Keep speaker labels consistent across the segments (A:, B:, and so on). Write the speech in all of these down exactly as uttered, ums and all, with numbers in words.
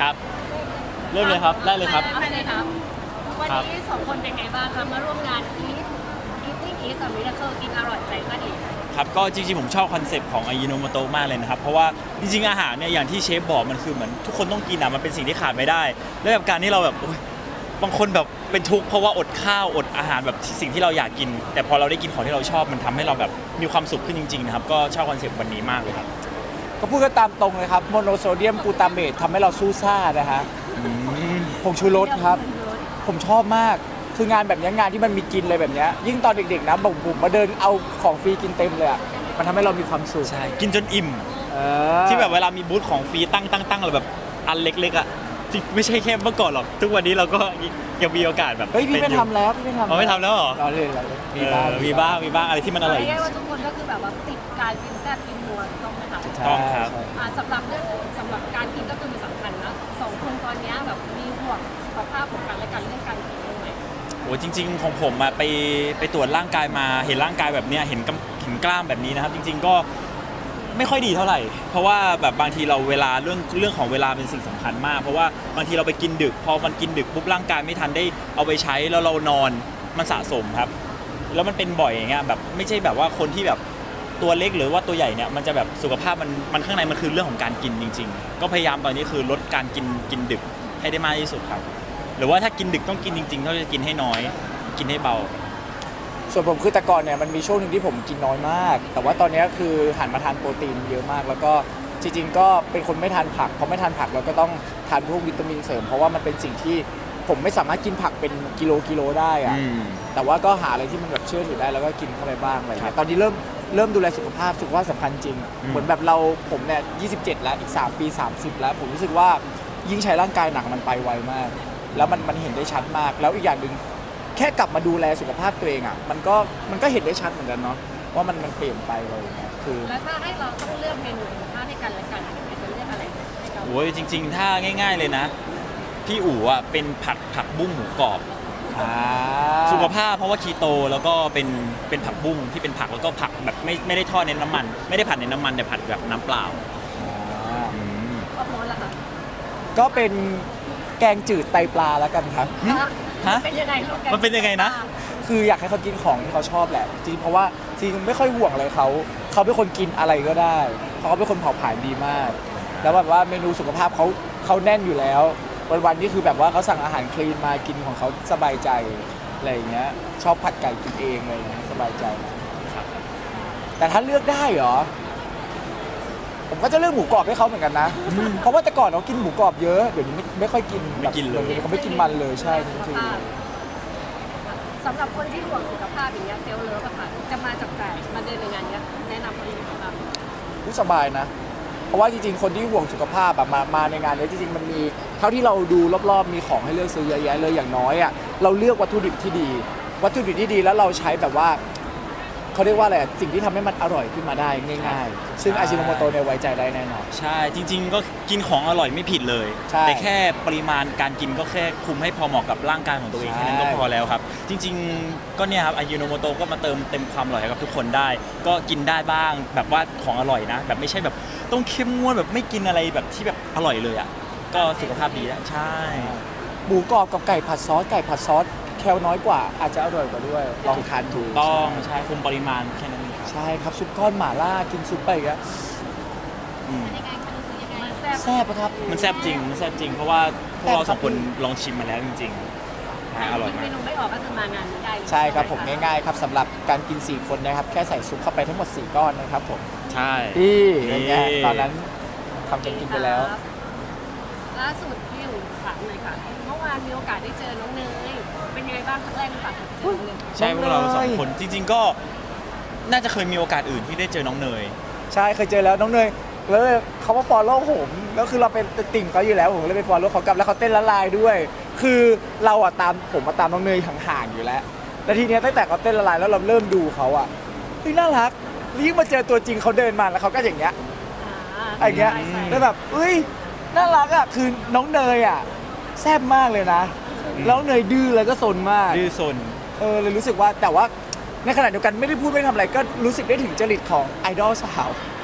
A: ครับเริ่มเลยครับได้เลยครับ
B: ได้เลยครับวันนี้สองคนเป็นไงบ้างคะมาร่วมงานอีทอีทนี่อีทกับมิราเคิลกินอร่อยใจก็ดี
A: ครับก็จริงๆผมชอบคอนเซปต์ของอายิโนโมโตะมากเลยนะครับเพราะว่าจริงๆอาหารเนี่ยอย่างที่เชฟบอกมันคือเหมือนทุกคนต้องกินอ่ะมันเป็นสิ่งที่ขาดไม่ได้แล้วแบบการที่เราแบบโอ๊ยบางคนแบบเป็นทุกข์เพราะว่าอดข้าวอดอาหารแบบสิ่งที่เราอยากกิน แต่พอเราได้กินของที่เราชอบมันทำให้เราแบบมีความสุขขึ้นจริงๆนะครับก็ชอบคอนเซปต์วันนี้มากเลยครับ
C: ก็พูดกันตามตรงเลยครับโมโนโซเดียมกลูตาเมตทำให้เราสู้ซ่านะฮะผงชูรสครับ ผมชอบมากคืองานแบบนี้งานที่มันมีกินเลยแบบนี้ยิ่งตอนเด็กๆนะบุ๋มบุ๋มมาเดินเอาของฟรีกินเต็มเลยอ่ะมันทำให้เรามีความสุข
A: ใช่กินจนอิ่ม
C: เออ
A: ที่แบบเวลามีบูธของฟรีตั้งตั้งตั้งเราแบบอันเล็กๆอ่ะจริงไม่ใช่แค่เมื่อก่อนหรอกทุกวันนี้เราก็ยังมีโอกาสแบบ
C: เฮ้ยพี่ไม่
A: ป็นอ
C: ทำแล้วพี่ไม่ทำ
A: อ๋อไม่ทำแล้วเหรอ
C: รอเลยรอเลย
A: เออมีบ้างมีบ้างอะไรที่มันอร่อย
B: เรียกว่าทุกคนก็คือแบบว่าติดการกินแซ่บกินนัวต้องไหมคะ
A: ต้องครับ
C: ใช่
B: อ่าสำหรับเรื่องสำหรับการกินก็คือมันสำคัญนะสองคนตอนนี้แบบมีห่วงสุขภาพของกันและกันเรื่องการกินด้วยไหม
A: โอ้จริงๆของผมอะไปไปตรวจร่างกายมาเห็นร่างกายแบบเนี้ยเห็นกำเห็นกล้ามแบบนี้นะครับ จริง ๆก็ไม่ค่อยดีเท่าไหร่ เพราะว่าแบบบางทีเราเวลาเรื่องเรื่องของเวลาเป็นสิ่งสำคัญมาก เพราะว่าบางทีเราไปกินดึก พอมันกินดึกปุ๊บร่างกายไม่ทันได้เอาไปใช้แล้วเรานอนมันสะสมครับ แล้วมันเป็นบ่อยอย่างเงี้ยแบบไม่ใช่แบบว่าคนที่แบบตัวเล็กหรือว่าตัวใหญ่เนี่ยมันจะแบบสุขภาพมันมันข้างในมันคือเรื่องของการกินจริง ๆ ก็พยายามตอนนี้คือลดการกินกินดึกให้ได้มากที่สุดครับ หรือว่าถ้ากินดึกต้องกินจริงๆต้องจะกินให้น้อย กินให้เบา
C: ส่วนผมคือแต่ก่อนเนี่ยมันมีช่วงหนึ่งที่ผมกินน้อยมาก แต่ว่าตอนนี้คือหันมาทานโปรตีนเยอะมาก แล้วก็จริงๆก็เป็นคนไม่ทานผักเพราะไม่ทานผักเราก็ต้องทานพวกวิตามินเสริมเพราะว่ามันเป็นสิ่งที่ผมไม่สามารถกินผักเป็นกิโลกิโลได้อะ
A: อืม
C: แต่ว่าก็หาอะไรที่มันแบบเชื่อถือได้แล้วก็กินเข้าไปบ้างอะไรเงี้ยตอนนี้เริ่มเริ่มดูแลสุขภาพสุขภาพสำคัญจริง
A: อืม
C: เหมือนแบบเราผมเนี่ยยี่สิบเจ็ดแล้วอีกสามปีสามสิบแล้วผมรู้สึกว่ายิ่งใช้ร่างกายหนักมันไปไวมาก แล้วมันมันเห็นได้ชัดมาก แล้วอีกอย่างหนึ่งแค่กลับมาดูแลสุขภาพตัวเองอ่ะมันก็มันก็เห็นได้ชัดเหมือนกันเนาะว่ามันมันเปลี่ยนไปอะไรอย่างเงี้ยคือ
B: แล้วถ้าให้เราต้องเลือกเมนูสุขภาพให้กันและกันจะเลือกอะไรให้เรา
A: โอ้ยจริง ๆ ถ้าง่าย ๆเลยนะ พี่อู๋อ่ะเป็นผัดผักบุ้งหมูกรอบ
C: อ่า
A: สุขภาพเพราะว่าคีโตแล้วก็เป็นเป็นผักบุ้งที่เป็นผักแล้วก็ผักแบบไม่ไม่ได้ทอดในน้ำมัน ไม่ได้ผัดในน้ำมันแต่ผัดแบบน้ำเปล่า
C: อ่า
B: ครอบครัวล่ะคะ
C: ก็เป็นแกงจืดไตปลาแล้วกันครับ
A: ฮะ
B: เป็นยังไงลูกแก
A: มันเป็นยังไงนะ
C: คืออยากให้เขากินของที่เขาชอบแหละจริงเพราะว่าจริงไม่ค่อยห่วงอะไรเขาเขาเป็นคนกินอะไรก็ได้เพราะเขาเป็นคนเผาผลาญดีมาก แล้วแบบว่าเมนูสุขภาพเขาเขาแน่นอยู่แล้ววันๆนี่คือแบบว่าเขาสั่งอาหารคลีนมากินของเขาสบายใจอะไรอย่างเงี้ยชอบผัดไก่กินเองอะไรอย่างเงี้ยสบายใจนะครับแต่ถ้าเลือกได้เหรอผมก็จะเลือกหมูกรอบให้เขาเหมือนกันนะเพราะว่าแต่ก่อนเขากินหมูกรอบเยอะเดี๋ยวนี้ไม่ไม่ค่อยกิน
A: ไม่กินเลย
C: แบบดี๋วนี้เขาไม่กินมันเลยใช่จริง
B: สำหรับคนที่ห่วงสุขภาพอย่างเงี้ยเซลล์เลิฟอะค่ะจะมาจับจ่ายมาเดินในงานเนี้ยแนะนำคนที่สุขภาพ
C: ๆรู้สบายนะ เพราะว่าจริงๆ คนที่ห่วงสุขภาพอะมามาในงานนี้จริงๆ มันมีเท่าที่เราดูรอบๆ มีของให้เลือกซื้อเยอะแยะเลยอย่างน้อยอะเราเลือกวัตถุดิบที่ดี วัตถุดิบที่ดีแล้วเราใช้แบบว่าเขาเรียกว่าอะไรอะสิ่งที่ทำให้มันอร่อยขึ้นมาได้ง่ายๆ ซึ่งอาชิโนโมโตะเนี่ยไว้ใจได้แน่นอน
A: ใช่จริง ๆ ก็กินของอร่อยไม่ผิดเลย
C: ใช่
A: แต่แค่ปริมาณการกินก็แค่คุมให้พอเหมาะกับร่างกายของตัวเอง
C: ใช่
A: แค่นั้นก็พอแล้วครับ จริง ๆ ก็เนี่ยครับอายุโนโมโตก็มาเติมเต็มความอร่อยให้กับทุกคนได้ ก็กินได้บ้างแบบว่าของอร่อยนะ แบบไม่ใช่แบบต้องเข้มงวดแบบไม่กินอะไรแบบที่แบบอร่อยเลยอ่ะก็สุขภาพดีแล้วใช่
C: หมูกรอบกับไก่ผัดซอสไก่ผัดซอสแคลน้อยกว่าอาจจะอร่อยกว่าด้วยลองทานดู
A: ต้องใช่คุมปริมาณแค่นั้นเองครับ
C: ใช่ครับซุปก้อนหม่าล่ากินซุปไปอีกอะ
A: อืม
B: ยังไงคะรู้สึกยังไงมันแซ่บ
C: แซ่บปะครับ
A: มันแซ่บจริงมันแซ่บจริง เพราะว่าพวกเราสองคนลองชิมมาแล้วจริงๆใช่อร่อย
B: คิด
A: มา
B: เม
A: ก
B: นูไม่ออกก็คือมางานนี้ได้เลย
C: ใช่ครับผมง่ายๆครับสำหรับการกินสี่คนนะครับแค่ใส่ซุปเข้าไปทั้งหมดสี่ก้อนนะครับผม
A: ใช่
C: ที่เป็นไง
A: นี่
C: ตอนนั้นทำกันกินไปแล้ว
B: ล่าสุดพี่อยู่ถามเลยค่ะเมื่อวานมีโอกาสได้เจอน้องเนยเป็นยังไงบ้างครั้งแรกหรือเปล่าเจอน้องเนย
A: ใช่พวกเราสอง
C: น้องเนย
A: คนจริง ๆ ก็น่าจะเคยมีโอกาสอื่นที่ได้เจอน้องเนย
C: ใช่เคยเจอแล้วน้องเนยแล้วเขามาฟอลโล่ผมแล้วคือเราเป็นติ่งเขาอยู่แล้วผมเลยไปฟอลโล่เขากลับแล้วเขาเต้นละลายด้วย คือเราอะตามผมมาตามน้องเนยห่างๆอยู่แล้วแล้วทีเนี้ยตั้งแต่เขาเต้นละลายแล้วเราเริ่มดูเขาอะเฮ้ยน่ารักแล้วยิ่งมาเจอตัวจริงเขาเดินมาแล้วเขาก็อย่างเงี้ย อะไรเงี้ย
B: ใช่ใช่
C: แล้วแบบเอ้ยน่ารักอะคือน้องเนยอะแซ่บมากเลยนะแล้วเนยดื้อแล้วก็ซนมาก
A: ดื้อซน
C: เออเลยรู้สึกว่าแต่ว่าในขณะเดียวกันไม่ได้พูดไม่ได้ทำอะไรก็รู้สึกได้ถึงจริตของไอดอลสาว
A: อ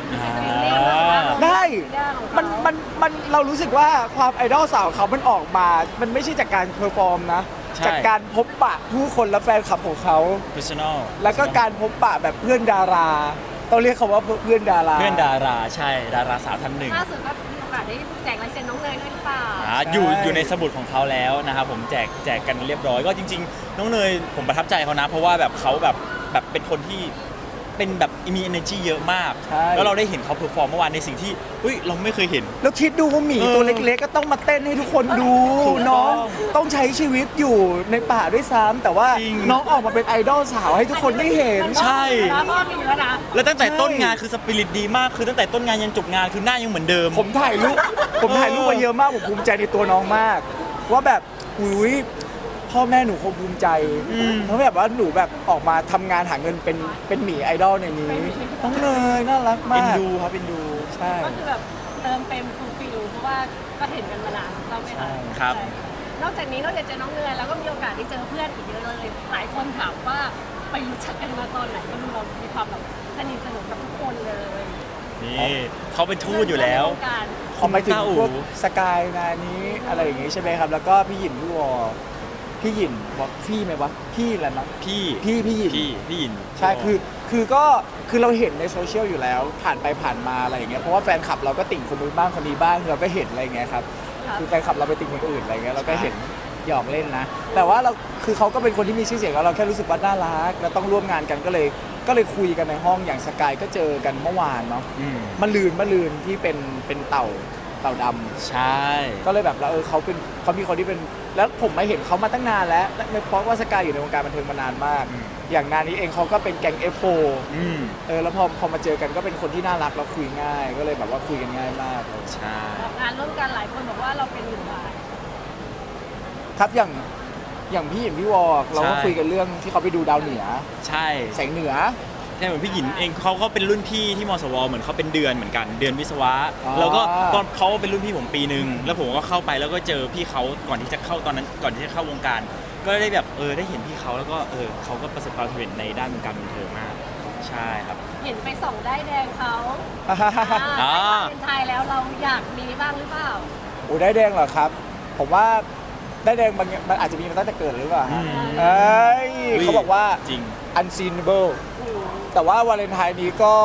C: ได้
B: มั
C: มันมันมันเรารู้สึกว่าความไอดอลสาวเขามันออกมา มันไม่ใช่จากการเพอร์ฟอร์มนะ
A: ใช่
C: จากการพบปะผู้คนและแฟนคลับของเขา
A: personal
C: แล้วก็การพบปะแบบเพื่อนดารา ต้องเรียกเขาว่าเพื่อนดารา
A: เพื่อนดาราใช่ดาราสาวท่านหนึ่ง
B: ล่าสุดก็มีโอกาสได้แจกลายเซ็นน้องเนยด้วยหรือเปล่า
A: อ่าอยู่อยู่ในสมุดของเขาแล้วนะครับผมแจกแจกกันเรียบร้อยก็จริงๆ น้องเนยผมประทับใจเขานะ เพราะว่าแบบเขาแบบแบบเป็นคนที่เป็นแบบมี energy เยอะมาก
C: ใช่
A: แล้วเราได้เห็นเขาเพอร์ฟอร์มเมื่อวานในสิ่งที่เฮ้ยเราไม่เคยเห็น
C: แล้วคิดดูว่าหมี
A: เออ
C: ตัวเล็กๆ ก็ต้องมาเต้นให้ทุกคนดู
A: ถูกต้อง
C: น้องต้องใช้ชีวิตอยู่ในป่าด้วยซ้ำแต่ว่า
A: จริง
C: น้องออกมาเป็นไอดอลสาวให้ทุกคนได้เห็น
A: ใช่
B: แล้วก็มีแล้วนะ
A: แล้วตั้งแต่
C: ใช่
A: ต้นงานคือสปิริตดีมากคือตั้งแต่ต้นงานยันจบงานคือหน้ายังเหมือนเดิม
C: ผมถ่ายรูปผมถ่ายรูปมาเยอะมากผมภูมิใจในตัวน้องมาก ว่าแบบอุ้ยพ่อแม่หนูคงภูมิใจ
A: อืม
C: เพราะแบบว่าหนูแบบออกมาทำงานหาเงินเป็นเป็นหมีไอดอลในนี้น้องเนยน่ารักมา
A: เอ็น
C: ก
A: ดูครับเอ็นดู
C: ใช่
B: ก็คือแบบเติมเต็มฟูลฟิลเพราะว่าก็เห็นกันมานานเราไม่ทัน
A: ครับ
B: ใช่นอกจากนี้นอกจากเจอน้องเนยแล้วก็มีโอกาสได้เจอเพื่อนอีกเยอะเลย หลายคนถามว่าไปรู้จักกันมาตอนไหนก็ดูเรามีความแบบสนิทสนมกับทุกคนเลย
A: นี่เขาเป็นทูตอยู่แล้ว
B: ในวงการ
C: พอไปถึง
A: ต้าอู๋
C: พวกสกายงานนี้อะไรอย่างงี้ใช่ไหมครับ แล้วก็พี่หยินพี่วอพี่หยินบอกพี่ไหมวะพี่อะไรนะ
A: พี่
C: พี่พี่หยิน
A: พี่พี่ยิน
C: ใช่คือคือก็คือเราเห็นในโซเชียลอยู่แล้ว ผ่านไปผ่านมาอะไรอย่างเงี้ยเพราะว่าแฟนคลับเราก็ติ่งคนนู้นบ้างคนนี้บ้างเราก็เห็นอะไรอย่างเงี้ยครับ
B: ครับ
C: คือแฟนคลับเราไปติ่งคนอื่นอะไรเงี้ยเราก็เห็นหยอกเล่นนะ แต่ว่าเราคือเขาก็เป็นคนที่มีชื่อเสียงแล้วเราแค่รู้สึกว่าน่ารักแล้วต้องร่วมงานกันก็เลยก็เลยคุยกันในห้องอย่างสกายก็เจอกันเมื่อวานเนาะ
A: อืม
C: มะลืนมะลืนที่เป็นเป็นเต่าเต่าดำ
A: ใช่
C: ก็เลยแบบเราเออเขาเป็นเขามีคนที่เป็นแล้วผมมาเห็นเขามาตั้งนานแล้วและเพราะว่าสกายอยู่ในวงการบันเทิงมานานมาก อย่างงานนี้เองเขาก็เป็นแก๊ง เอฟ โฟร์
A: อืม
C: เออแล้วพอพอมาเจอกันก็เป็นคนที่น่ารักแล้วคุยง่าย ก็เลยแบบว่าคุยกันง่ายมากเลย
A: ใช่
B: ออกงานร่วมกันหลายคนบอกว่าเราเป็นหนึ่งบาท
C: ครับอย่างอย่างพี่อย่างพี่วอกเราก็คุยกันเรื่องที่เขาไปดูดาวเหนือ
A: ใช่
C: แสงเหนือ
A: ใช่เหมือนพี่หยินเองเขาก็เป็นรุ่นพี่ที่มสวเหมือนเขาเป็นเดือนเหมือนกันเดือนวิศวะ
C: อ๋อ
A: แล้วก็ตอนเขาเป็นรุ่นพี่ผมปีหนึ่งแล้วผมก็เข้าไปแล้วก็เจอพี่เขาก่อนที่จะเข้าตอนนั้นก่อนที่จะเข้าวงการ ก็ได้แบบเออได้เห็นพี่เขาแล้วก็เออเขาก็ประสบความสำเร็จในด้านวงการบันเทิงมาก ใช่ครับ
B: เห็นไปส่องได้ายแดงเขา
C: อ่า
B: อ่าได้เป็นไทยแล้วเราอยากมีบ้างหรือเปล่า
C: โอ้ได้แดงเหรอครับ ผมว่าได้แดงมันมันอาจจะมีมาตั้งแต่เกิดหรือเปล่าฮะ
A: อืม
C: เอ้ยเขาบอกว่า
A: จริง
C: unseenable แต่ว่าวาเลนไทน์นี้ก็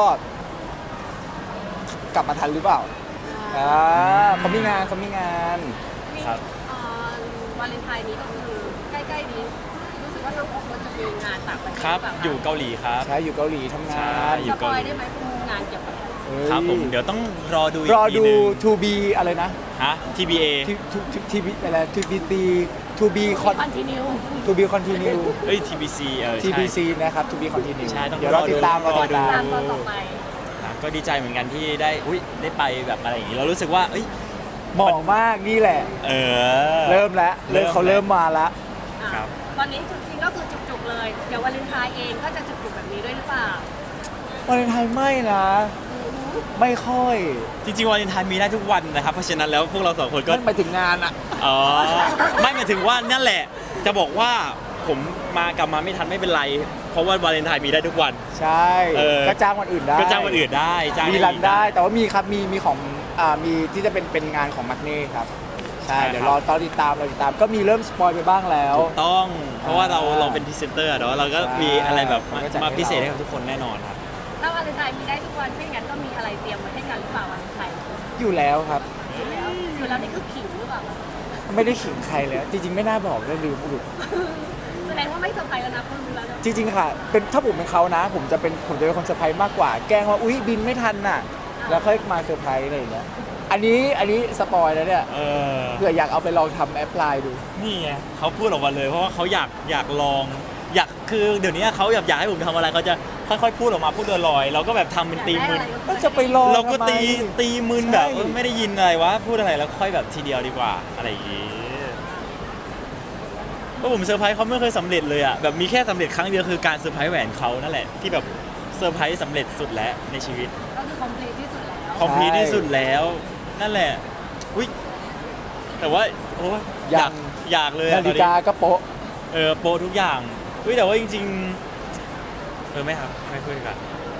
C: กลับมาทันหรือเปล่าอ่าเขามีงานเขามีงาน
A: ครับ
B: เอ่อวาเลนไทน์นี้ก็คือใกล้ๆนี้รู้สึกว่าน้องโอ๊คจะมีงานต่างประเทศ
A: ครับ
B: หเปล่าะ
A: อยู่เกาหลีครับ
C: ใช่อยู่เกาหลีทำงา
A: ใช่
C: น
A: อยู่
B: สปอยได้ไหมคุณงานเกี่ยวกับอะไร
C: เฮ้ย
A: ครับผมเดี๋ยวต้องรอดูอี
C: ร
A: ก
C: อ
A: ที
C: ดู
A: หนึง
C: to be อะไรนะ
A: ฮะ ที บี เอ
C: ทีบีอะไร to be to be con
B: คอนติเนีย
C: to be continue
A: เอ้ย ที บี ซี เออ
C: ที
A: ใช่
C: บี ซี นะครับ to be continue
A: ใช่ต้อง
C: เดี๋ยวเราติดตาม
A: รอดู
C: เราติดตา
B: ตาม มตอนต่อไป
A: ครับก็ดีใจเหมือนกันที่ได้อุ้ยได้ไปแบบอะไรอย่างนี้เรารู้สึกว่าเอ้ย
C: เหมาะมากนี่แหละ
A: เออ
C: เริ่มแล้วเริ่ม
A: เริ่ม
C: เขาเริ่มมาแล้ว
B: อ่ะ
A: ครับ
B: ตอนนี้จริงๆก็คือจุกๆเลย เดี๋ยววาเลนไทน์เองก็จะจุกๆแบบนี้ด้วยหรือเปล่าว
C: าเลนไทน์ไม่นะ ไม่ค่อย
A: จริงๆวาเลนไทน์มีได้ทุกวันนะครับเพราะฉะนั้นแล้วพวกเราสองคนก็
C: นั่นไปถึงงานอะ
A: อ๋อไม่หมายถึงว่านั่นแหละ จะบอกว่าผมมากลับมาไม่ทันไม่เป็นไร เพราะว่าวาเลนไทน์มีได้ทุกวัน
C: ใช่
A: เออ
C: ก็จ้างวันอื่นได้
A: ก็จ้างวันอื่นได้จ้าง
C: มี
A: อย่าง
C: รัน
A: อื่
C: ได้ แต่ว่ามีครับ มีมีของอ่ามีที่จะเป็นเป็นงานของมักเน่ครับ ใช่
A: ใช่
C: เดี๋ยว
A: ค
C: ร
A: รั
C: อบ ตอนติดตามเราติดตาม ก็มีเริ่มสปอยไปบ้างแล้ว
A: ถูกต้อง เพราะว่าเรา
C: อ่า
A: เราเป็นพรีเซนเตอร์เนาะเราก็
C: ใช่
A: มีอะไรแบบมา
C: เราก็จัดให้
A: มาพิเศษ
C: เรา
A: ให้กับทุกคนแน่นอนครับ
B: ถ้าวาเลนไทน์มีได้ทุกวันถ้าอย่างนั้นก็มีอะไรเตรียมไว้ให้กันหรือเปล่าวาเลนไทน์
C: อยู่แล้วครับ
B: อยู่แล้วอยู่แล้วนี่คือขิงหรือเปล่า
C: ไม่ได้ขิงใครเลย จริงๆ ไม่น่าบอกเลยลืมอุด
B: แสดงว่าไม่เซอร์ไพรส์แล้วนะคุณรู้แล้วนะ
C: จริงๆ ค่ะ เป็นถ้าผมเป็นเขานะ ผมจะเป็นผมจะเป็นคนเซอร์ไพรส์มากกว่า แกล้งว่า อุ๊ย บินไม่ทันน่ะ แล้วค่อยมาเซอร์ไพรส์อะไรอย่างเงี้ย อันนี้อันนี้สปอยแล้วเนี่ย
A: เออ
C: เผื่ออยากเอาไปลองทำแอปพลายดู
A: นี่ไงเขาพูดออกมาเลย เพราะว่าเขาอยากอยากลอง อยากคือเดี๋ยวนี้เขาอยากอยากให้ผมทำอะไรเขาจะค่อยๆพูดออกมาพูดลอยๆเราก็แบบทำเป็นตีมึน
C: ก็จะไปลอง
A: เราก็
C: ทำไม
A: ตีตีมึนแบบ
C: ใช่
A: เออไม่ได้ยินอะไรวะพูดอะไรแล้วค่อยแบบทีเดียวดีกว่าอะไรอย่างงี้ก็ผมเซอร์ไพรส์เขาไม่เคยสำเร็จเลยอ่ะแบบมีแค่สำเร็จครั้งเดียวคือการเซอร์ไพรส์แหวนเขานั่นแหละที่แบบเซอร์ไพรส์สำเร็จสุดแล้วในชีวิต
B: ก็คือคอมพลีทที่สุดแล้ว
A: คอมพลีทที่สุดแล้วนั่นแหละอุ้ยแต่ว่าโอ้ยอยากอยากเลยอะ
C: นา
A: ตอ
C: ฬิ
A: นนี้
C: กาก็โป๊ะ
A: เออโปรทุกอย่างอุ้ยแต่ว่าจริงๆเออไม่ครับไม่คุยกัน
C: เอ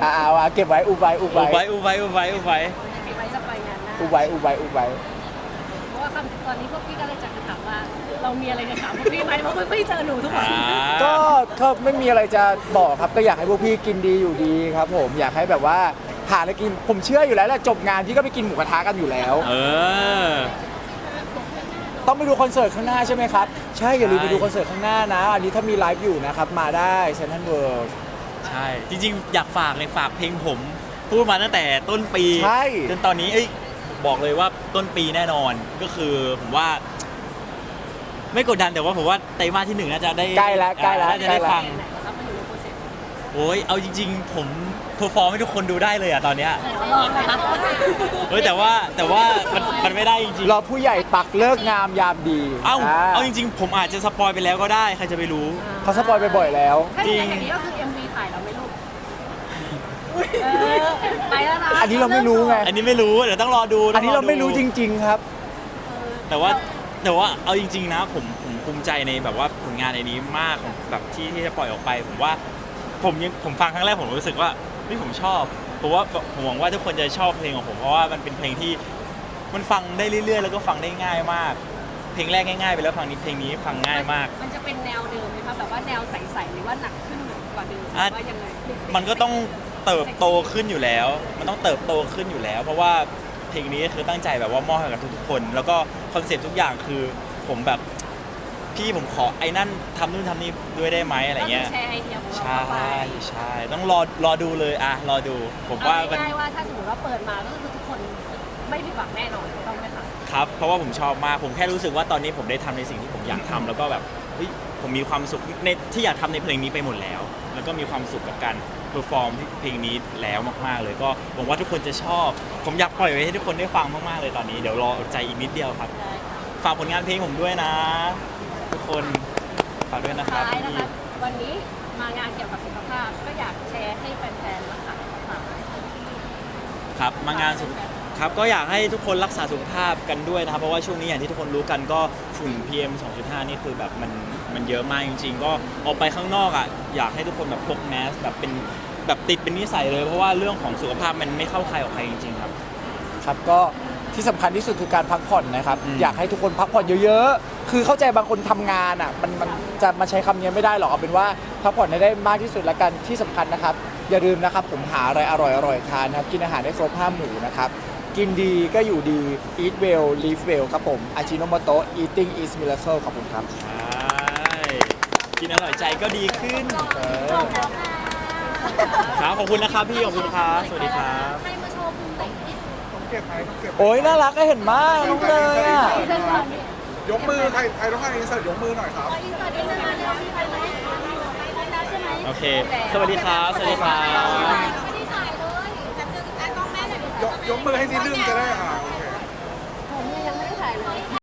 C: อ่าเอาเก็บไว้อุบไว้อุบ
A: อุบ
C: ไว้
A: ไว้อุบไว้อุบไว้อุบไว้
B: เก็บไว้จะไปงานหน้า
C: อุบไว้อุบไว้อุบไว้
B: เพราะว่าคำตอนนี้พวกพี่ก็เลยจะถามว่า เรามีอะไรจะถามพวกพี่ไหมเพราะพวกพี่เจอหนูทุกวัน
A: อ่า
C: ก็ก็ไม่มีอะไรจะบอกครับก็อยากให้พวกพี่กินดีอยู่ดีครับผมอยากให้แบบว่าหาอะไรกินผมเชื่ออยู่แล้วแหละจบงานพี่ก็ไปกินหมูกระทะกันอยู่แล้ว
A: เออ
C: ต้องไปดูคอนเสิร์ตข้างหน้าใช่ไหมครับ ใช่อย่าลืม
A: ใช่
C: ไปดูคอนเสิร์ตข้างหน้านะ อันนี้ถ้ามีไลฟ์อยู่นะครับ มาได้เซนทรัลเวิลด์
A: ใช่ จริงๆ อยากฝากเลยฝากเพลงผม พูดมาตั้งแต่ต้นปี
C: ใช่
A: จนตอนนี้เอ้ยบอกเลยว่าต้นปีแน่นอนก็คือผมว่า ไม่กดดันแต่ว่าผมว่าไตรมาสที่หนึ่งน่าจะได้
C: ใกล้แล้วใกล้แล้ว
A: น่าจะ
C: ใกล้
A: ได้
C: แล้ว
A: ฟัง
B: ไหนนะครับมันอยู่ในโปรเซส
A: โอ้ยเอาจริง ๆ ผมเพอร์ฟอร์มให้ทุกคนดูได้เลยอะตอนเนี้ย
B: ลองนะครับ
A: เฮ้ยแต่ว่าแต่ว่ามันมันไม่ได้จริง
C: รอผู้ใหญ่ปักเลิกงามยามดี
A: ๆเอ้าเอาจริงๆ ผมอาจจะสปอยไปแล้วก็ได้ใครจะไปรู้
C: เขาสปอยไปบ่อยแล้ว
B: ถ้าอย่างนี้ก็คือ เอ็ม วี ถ่ายเราไม่รู้เออไปแล้วนะ
C: อันนี้เราไม่รู้ไง
A: อันนี้ไม่รู้เดี๋ยวต้องรอดู
C: อันนี้เราไม่รู้จ
A: ง
C: ริง ๆ ครับ
A: แต่ว่าแต่ว่าเอาจริง ๆ นะผมผมภูมิใจในแบบว่าผลงานในนี้มากของแบบที่ที่จะปล่อยออกไป ผมว่าผมยังผมฟังครั้งแรกผมรู้สึกว่าเฮ้ยผมชอบเพราะว่าผมหวังว่าทุกคนจะชอบเพลงของผมเพราะว่ามันเป็นเพลงที่มันฟังได้เรื่อยๆ แล้วก็ฟังได้ง่ายมาก เพลงแรกง่ายๆไปแล้วฟังนี้เพลงนี้ฟังง่ายมาก
B: มันจะเป็นแนวเดิมไหมคะแบบว่าแนวใสๆหรือว่าหนักขึ้นกว่าเดิมหรือว่ายังไง
A: มันก็ต้องเติบโตขึ้นอยู่แล้ว มันต้องเติบโตขึ้นอยู่แล้ว เพราะว่าเพลงนี้คือตั้งใจแบบว่ามอบให้กับทุกๆคน แล้วก็คอนเซ็ปต์ทุกอย่างคือผมแบบพี่ผมขอไอ้นั่นทำนู่นทำนี่ด้วยได้ไหมอะไรเงี้ย
B: ก็คือแชร์ไอเดียของเรา
A: ใช่
B: เข้าไป
A: ใช่ต้องรอรอดูเลยอะรอดู ผมว่า
B: เอา
A: มัน
B: ง่ายๆว่าถ้าสมมติว่าเปิดมาก็คือทุกคนไม่ผิดหวังแน่นอนต้องไหมคะ
A: ครับ เพราะว่าผมชอบมาก ผมแค่รู้สึกว่าตอนนี้ผมได้ทำในสิ่งที่ผมอยากทำแล้วก็แบบเฮ้ยผมมีความสุขในที่อยากทำในเพลงนี้ไปหมดแล้ว แล้วก็มีความสุขกับการเพอร์ฟอร์มเพลงนี้แล้วมากๆ เลยก็หวังว่าทุกคนจะชอบ ผมอยากปล่อยไว้ให้ทุกคนได้ฟังมากๆเลยตอนนี้เดี๋ยวรออดใจอีกนิดเดียวครับ
B: ได้ค่ะ
A: ฝากผลงานเพลงผมด้วยนะ ทุกคนฝากด้วยนะครับ
B: ท้ายนะคะวันนี้มางานเกี่ยวกับสุขภาพก็อยากแชร์ให้แฟนๆรักษาสุขภาพ
A: ครับมางานสุขครับก็อยากให้ทุกคนรักษาสุขภาพกันด้วยนะครับเพราะว่าช่วงนี้อย่างที่ทุกคนรู้กันก็ฝุ่น พี เอ็ม สองจุดห้า นี่คือแบบมันมันเยอะมากจริง ๆ ก็ออกไปข้างนอกอ่ะอยากให้ทุกคนแบบพกแมสแบบเป็นแบบติดเป็นนิสัยเลย เพราะว่าเรื่องของสุขภาพมันไม่เข้าใครออกใครจริง ๆ ครับ
C: ครับก็ที่สำคัญที่สุดคือการพักผ่อนนะครับ
A: อืม
C: อยากให้ทุกคนพักผ่อนเยอะๆ คือเข้าใจบางคนทำงานอ่ะมันมันจะมาใช้คำนี้ไม่ได้หรอกเอาเป็นว่าพักผ่อนให้ได้มากที่สุดละกันที่สำคัญนะครับ อย่าลืมนะครับผมหาอะไรอร่อยๆทานนะครับกินอาหารได้ครบห้าหมู่นะครับกินดีก็อยู่ดี eat well live well ครับผมอาจิโนโมโตะ eating is miracle ขอบคุณครับ
A: ใช่กินอร่อยใจก็ดีขึ้น
C: เออ
A: ครับขอบคุณนะครับพี่ขอบคุณครับสวัสดีครับ
B: ให้มาโชว์ภูมิไหนที่
D: ต้องเก็บไหมต้องเก็บ
C: โอ้ยน่ารักก็เห็นมากน้องเลยอ่ะ
B: เส้นก่อนนี่
D: ยกมือใครใครต้องการอินเสิร์ตยกมือหน่อยครับ
B: อินเสิร์ตอินเสิร์ตมาเร็วมีใครไหมแล้วใช่ไหม
A: โอเค สวัสดีครับสวัสดีครับ
B: ไม่ได้ถ่ายเลยแต่คือแต่ต้องแม่เลย
D: ยกยกมือให้นิดนึงจะได้อ่าโอเค
B: ผมยังไม่ได้ถ่ายเลย